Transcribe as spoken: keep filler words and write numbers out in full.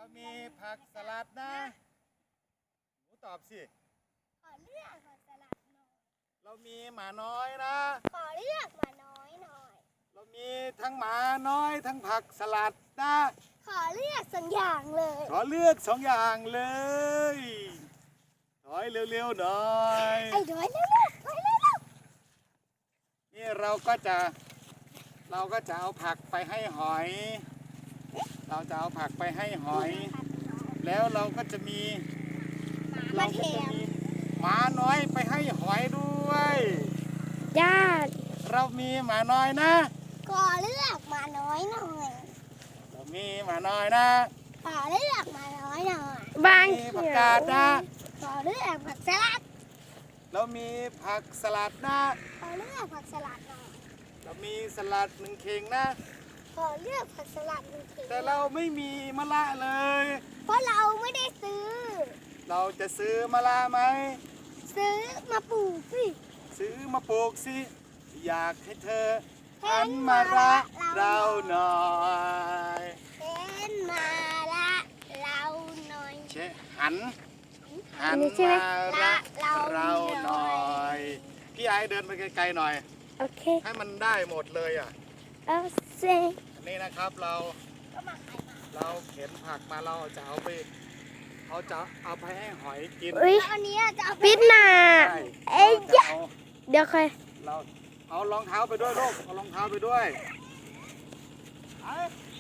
เรามีผักสลัดนะหนูตอบสิขอเลือกผักสลัดหน่อยเรามีหมาน้อยนะขอเลือกหมาน้อยหน่อยเรามีทั้งหมาน้อยทั้งผักสลัดนะขอเลือกสองอย่างเลยขอเลือกสองอย่างเลยถอยเร็วๆหน่อยไอ้ถอยเร็วๆถอยเร็วๆนี่เราก็จะเราก็จะเอาผักไปให้หอย เราจะเอาผักไปให้หอย แล้วเราก็จะมีเราก็จะมีหมาน้อยไปให้หอยด้วยญาติเรามีหมาน้อยนะขอเลือกหมาน้อยหน่อยเรามีหมาน้อยนะขอเลือกหมาน้อยหน่อยบางมีผักกาดนะขอเลือกผักสลัดเรามีผักสลัดนะขอเลือกผักสลัดหน่อยเรามีสลัดหนึ่งเข่งนะขอเลือกผักสลัดหนึ่งเข่งแต่เราไม่มีมะละเลยเพราะเราไม่ได้ซื้อเราจะซื้อมะละไหมซื้อมาปลูกสิซื้อมาปลูกสิอยากให้เธอหันมารักเราหน่อยเห็นมาละเราหน่อยเชหันหันมารักเราหน่อยพี่ไอเดินไปไกลๆหน่อยโอเคให้มันได้หมดเลยอ่ะเอาสินี่นะครับเราเราเข็นผักมาเราจะเอาไปเขาจะเอาไปให้หอยกินแล้วอันนี้จะเอาปิดหน้าเอ้ยเดี๋ยวใครเราเอารองเท้าไปด้วยลูกเอารองเท้าไปด้วย